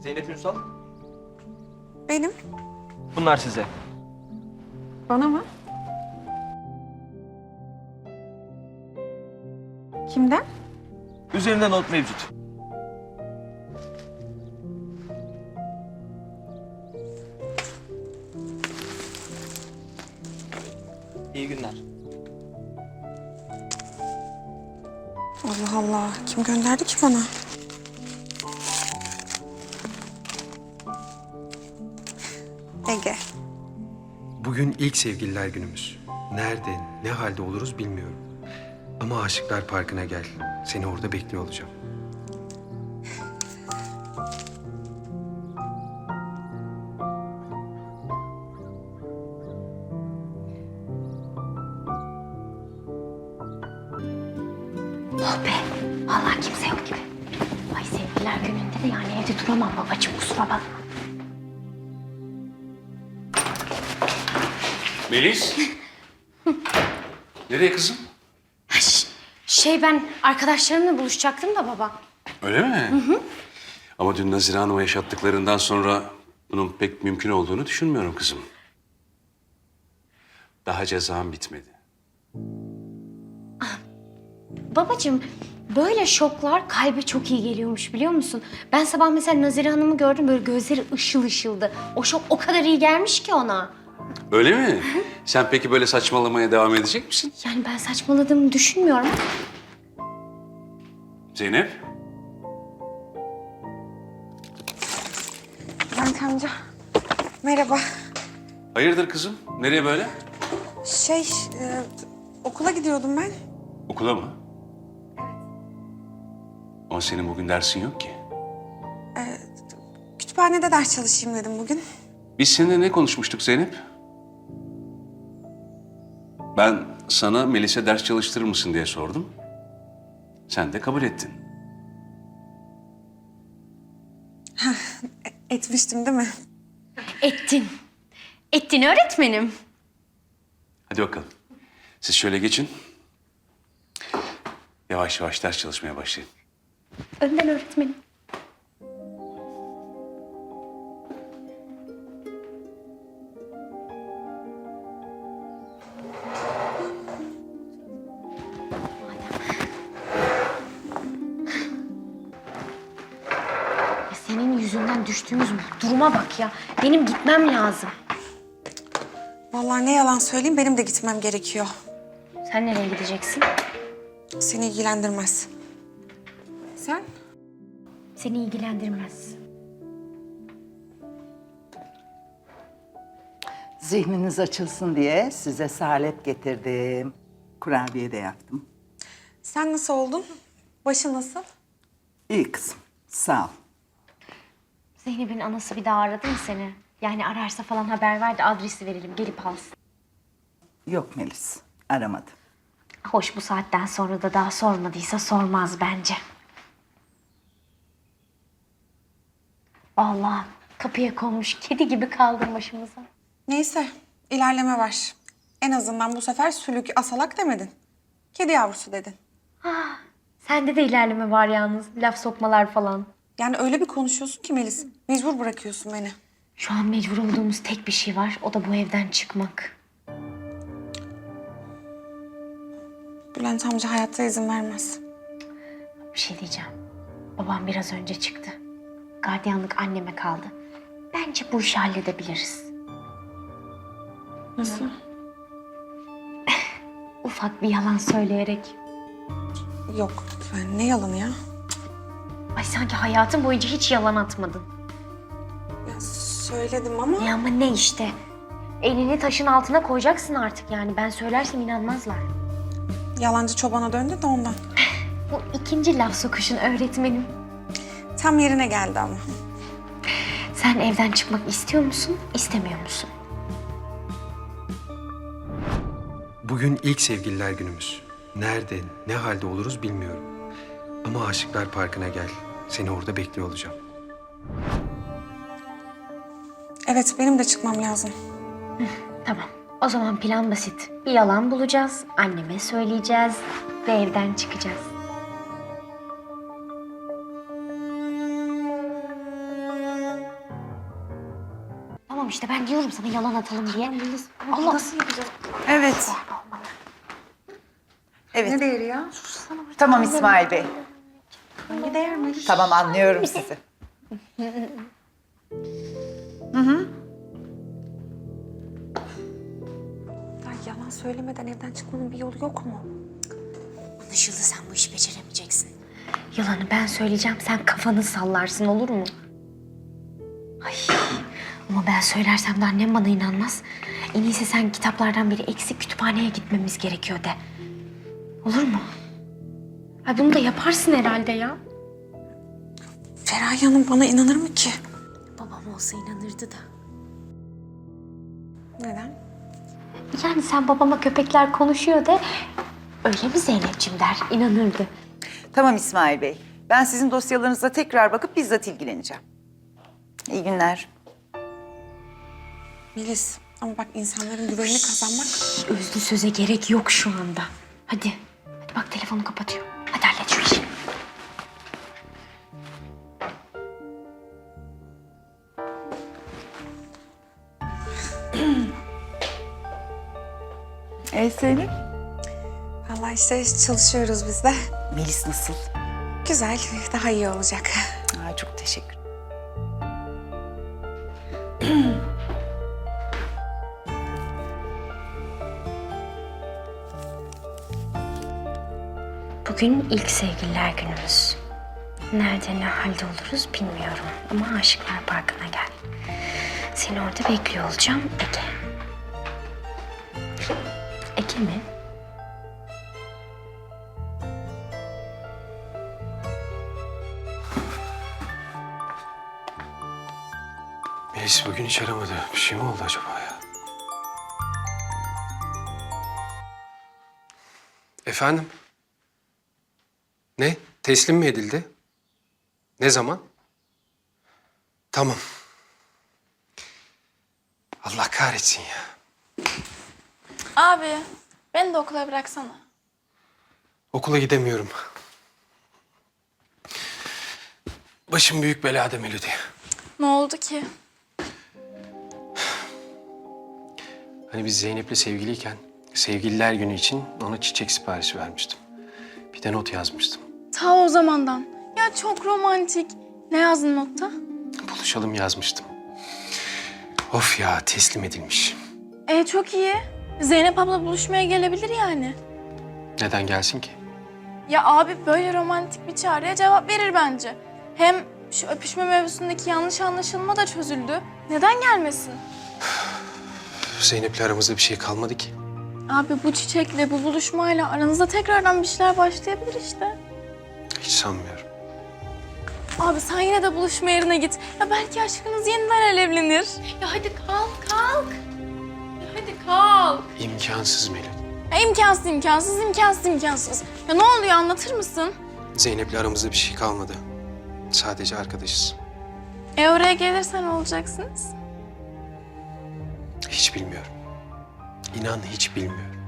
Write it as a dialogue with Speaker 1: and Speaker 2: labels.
Speaker 1: Zeynep Ünsal.
Speaker 2: Benim.
Speaker 1: Bunlar size.
Speaker 2: Bana mı? Kimden?
Speaker 1: Üzerinde not mevcut. İyi günler.
Speaker 2: Allah Allah. Kim gönderdi ki bana? Ege.
Speaker 3: Bugün ilk sevgililer günümüz. Nerede, ne halde oluruz bilmiyorum. Ama Aşıklar Parkı'na gel. Seni orada bekliyor olacağım.
Speaker 4: Oh be, vallahi kimse yok gibi. Ay sevgililer gününde de yani evde duramam babacığım, kusura bakma.
Speaker 5: Melis. Nereye kızım?
Speaker 4: Ben arkadaşlarımla buluşacaktım da baba.
Speaker 5: Öyle mi? Hı. Ama dün Nazire Hanım'a yaşattıklarından sonra bunun pek mümkün olduğunu düşünmüyorum kızım. Daha cezam bitmedi.
Speaker 4: Babacığım, böyle şoklar kalbe çok iyi geliyormuş biliyor musun? Ben sabah mesela Nazire Hanım'ı gördüm, böyle gözleri ışıl ışıldı. O şok o kadar iyi gelmiş ki ona.
Speaker 5: Öyle mi? Sen peki böyle saçmalamaya devam edecek misin?
Speaker 4: Yani ben saçmaladığımı düşünmüyorum.
Speaker 5: Zeynep.
Speaker 2: Bülent amca. Merhaba.
Speaker 5: Hayırdır kızım? Nereye böyle?
Speaker 2: Okula gidiyordum ben.
Speaker 5: Okula mı? Ama senin bugün dersin yok ki.
Speaker 2: Kütüphanede ders çalışayım dedim bugün.
Speaker 5: Biz seninle ne konuşmuştuk Zeynep? Ben sana Melis'e ders çalıştırır mısın diye sordum. Sen de kabul ettin.
Speaker 2: Etmiştim değil mi?
Speaker 4: Ettin. Ettin öğretmenim.
Speaker 5: Hadi bakalım. Siz şöyle geçin. Yavaş yavaş ders çalışmaya başlayın.
Speaker 4: Önden öğretmenim. Senin yüzünden düştüğümüz bu duruma bak ya. Benim gitmem lazım.
Speaker 2: Vallahi ne yalan söyleyeyim, benim de gitmem gerekiyor.
Speaker 4: Sen nereye gideceksin?
Speaker 2: Seni ilgilendirmez. Sen?
Speaker 4: Seni ilgilendirmez.
Speaker 6: Zihniniz açılsın diye size salep getirdim. Kurabiye de yaptım.
Speaker 2: Sen nasıl oldun? Başın nasıl?
Speaker 6: İyi kızım, sağ ol.
Speaker 4: Zeynep'in anası bir daha aradı mı seni? Yani ararsa falan haber ver de adresi verelim, gelip alsın.
Speaker 6: Yok Melis, aramadı.
Speaker 4: Hoş, bu saatten sonra da daha sormadıysa sormaz bence. Vallahi kapıya konmuş kedi gibi kaldım başımıza.
Speaker 2: Neyse, ilerleme var. En azından bu sefer sülük asalak demedin. Kedi yavrusu dedin.
Speaker 4: Sende de ilerleme var yalnız, laf sokmalar falan.
Speaker 2: Yani öyle bir konuşuyorsun ki Melis, mecbur bırakıyorsun beni.
Speaker 4: Şu an mecbur olduğumuz tek bir şey var, o da bu evden çıkmak.
Speaker 2: Bülent amca hayatta izin vermez.
Speaker 4: Bir şey diyeceğim. Babam biraz önce çıktı. Gardiyanlık anneme kaldı. Bence bu işi halledebiliriz.
Speaker 2: Nasıl?
Speaker 4: Ufak bir yalan söyleyerek.
Speaker 2: Yok, yani ne yalanı ya?
Speaker 4: Ay sanki hayatın boyunca hiç yalan atmadın.
Speaker 2: Ya söyledim ama...
Speaker 4: Ya ama ne işte. Elini taşın altına koyacaksın artık yani. Ben söylersem inanmazlar.
Speaker 2: Yalancı çobana döndü de ondan.
Speaker 4: Bu ikinci laf sokuşun öğretmenim.
Speaker 2: Tam yerine geldi ama.
Speaker 4: Sen evden çıkmak istiyor musun, istemiyor musun?
Speaker 3: Bugün ilk sevgililer günümüz. Nerede, ne halde oluruz bilmiyorum. Ama Aşıklar Parkı'na gel. Seni orada bekliyor olacağım.
Speaker 2: Evet, benim de çıkmam lazım.
Speaker 4: Tamam. O zaman plan basit. Bir yalan bulacağız, anneme söyleyeceğiz ve evden çıkacağız. işte ben diyorum sana yalan atalım diye. Allah nasıl yapacağız?
Speaker 6: Evet. Evet.
Speaker 2: Ne değeri ya?
Speaker 6: Tamam İsmail Bey.
Speaker 2: Hangi değer mi?
Speaker 6: Tamam anlıyorum sizi.
Speaker 2: Ya yalan söylemeden evden çıkmanın bir yolu yok mu?
Speaker 4: Anlaşıldı, sen bu işi beceremeyeceksin. Yalanı ben söyleyeceğim, sen kafanı sallarsın, olur mu? Ay, ama ben söylersem de annem bana inanmaz. En iyisi sen kitaplardan biri eksik, kütüphaneye gitmemiz gerekiyor de. Olur mu? Ay bunu da yaparsın herhalde ya.
Speaker 2: Feraye Hanım bana inanır mı ki?
Speaker 4: Babam olsa inanırdı da.
Speaker 2: Neden?
Speaker 4: Yani sen babama köpekler konuşuyor de öyle mi Zeynep'ciğim der, inanırdı.
Speaker 6: Tamam İsmail Bey. Ben sizin dosyalarınıza tekrar bakıp bizzat ilgileneceğim. İyi günler.
Speaker 2: Melis ama bak insanların güvenini kazanmak...
Speaker 4: Özlü söze gerek yok şu anda. Hadi, hadi bak telefonu kapatıyor. Hadi hallet şu işi.
Speaker 6: Zeynep?
Speaker 2: Vallahi işte çalışıyoruz biz de.
Speaker 6: Melis nasıl?
Speaker 2: Güzel, daha iyi olacak.
Speaker 6: Ay, çok teşekkür.
Speaker 4: Bugün ilk sevgililer günümüz. Nerede ne halde oluruz bilmiyorum ama Aşıklar Parkı'na gel. Seni orada bekliyor olacağım Ege. Ege mi?
Speaker 3: Melis bugün hiç aramadı. Bir şey mi oldu acaba ya? Efendim? Ne? Teslim mi edildi? Ne zaman? Tamam. Allah kahretsin ya.
Speaker 7: Abi, beni de okula bıraksana.
Speaker 3: Okula gidemiyorum. Başım büyük belada Melodi.
Speaker 7: Ne oldu ki?
Speaker 3: Hani biz Zeynep'le sevgiliyken sevgililer günü için ona çiçek siparişi vermiştim. Bir de not yazmıştım.
Speaker 7: Ta o zamandan. Ya çok romantik. Ne yazdın notta?
Speaker 3: Buluşalım yazmıştım. Of ya, teslim edilmiş.
Speaker 7: Çok iyi. Zeynep abla buluşmaya gelebilir yani.
Speaker 3: Neden gelsin ki?
Speaker 7: Ya abi böyle romantik bir çağrıya cevap verir bence. Hem şu öpüşme mevzusundaki yanlış anlaşılma da çözüldü. Neden gelmesin?
Speaker 3: Zeynep'le aramızda bir şey kalmadı ki.
Speaker 7: Abi bu çiçekle, bu buluşmayla aranızda tekrardan bir şeyler başlayabilir işte.
Speaker 3: Hiç sanmıyorum.
Speaker 7: Abi sen yine de buluşma yerine git. Ya belki aşkınız yeniden alevlenir. Ya hadi kalk, kalk. Ya hadi kalk.
Speaker 3: İmkansız Melodi.
Speaker 7: Ya imkansız, imkansız, imkansız, imkansız. Ya ne oluyor anlatır mısın?
Speaker 3: Zeynep'le aramızda bir şey kalmadı. Sadece arkadaşız.
Speaker 7: Oraya gelirsen olacaksınız.
Speaker 3: Hiç bilmiyorum. İnan hiç bilmiyorum.